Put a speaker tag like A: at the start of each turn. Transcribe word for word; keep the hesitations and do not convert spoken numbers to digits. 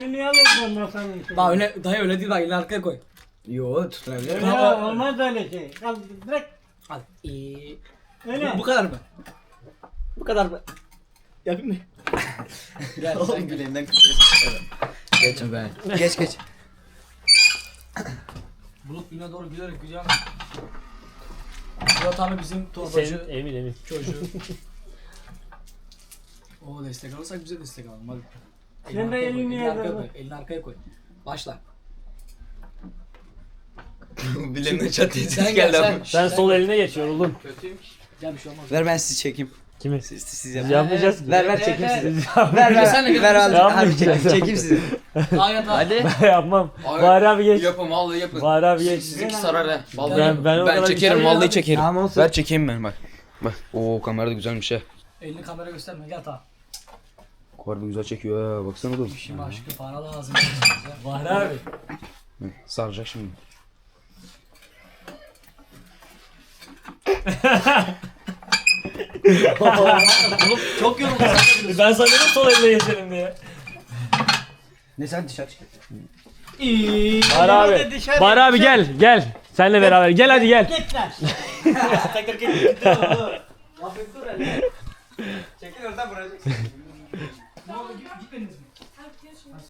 A: Niye alırdın masanın içine?
B: Bak öyle, dayı öyle değil bak elini arkaya koy.
C: Yo tutunabilir.
A: Ya olmaz öyle şey. Al direkt
B: Al. Ee,
A: öyle.
B: bu, bu kadar mı? Bu kadar mı? Yapayım mı? Gel sen
C: Oğlum
B: gel.
C: bileğinden kırıyorsun. Geç ben. Geç geç.
B: Bulut güne doğru giderek gidiyor. Bulut abi bizim torbacı
D: Senin emin emin.
B: çocuğu. O destek alırsak bize destek alalım hadi.
A: Sen de
B: arkaya koy,
A: elini
B: elini arkaya
A: yere
B: koy. Elini arkaya koy. Başla.
C: Bileğinden çat diye ses
B: Sen gel
C: geldi
B: sen.
C: ama.
D: Sen sol eline geç yoruldun.
B: Gel bir şey olmaz.
C: Ver ben sizi çekeyim.
D: Kimi?
C: Siz, siz
D: Biz
C: yapın.
D: yapmayacağız ki.
C: Ver ver
B: Evet,
C: çekeyim
B: evet.
C: sizi. Ver ver.
B: Sen de gel.
C: Ver abi.
D: Yapmayacağız.
C: Abi çekeyim, çekeyim sizi.
B: Ayet abi.
D: Ben yapmam. Bahri abi geç.
E: Yapın vallahi yapın.
D: Bahri abi geç.
E: Sizinki sarar ha. Vallahi
D: Ben-
E: yapın.
D: ben o
E: ben
D: kadar
E: çekerim
D: güzel
E: vallahi
D: yapmadım.
E: çekerim.
C: Tamam olsun.
E: Ver çekeyim ben bak. Bak. Oo kamera da güzelmiş ha.
B: Elini kamera gösterme gel ta.
E: Harbi güzel çekiyor ha. Baksana oğlum.
B: Şimdi aşkı para lazım.
D: Bahri abi.
E: Hı, saracak şimdi.
B: Oğlum çok yoruldum.
D: Ben sanıyorum sol eline geçelim diye.
C: Ne sen dışarı çık.
D: Bahri abi. Bahri abi gel gel. Senle beraber gel hadi gel.
A: Git lan.
B: Tekrar git. Afiyet dur hele.
C: Çekil oradan vuracak.
B: Ne oldu gitmediniz mi?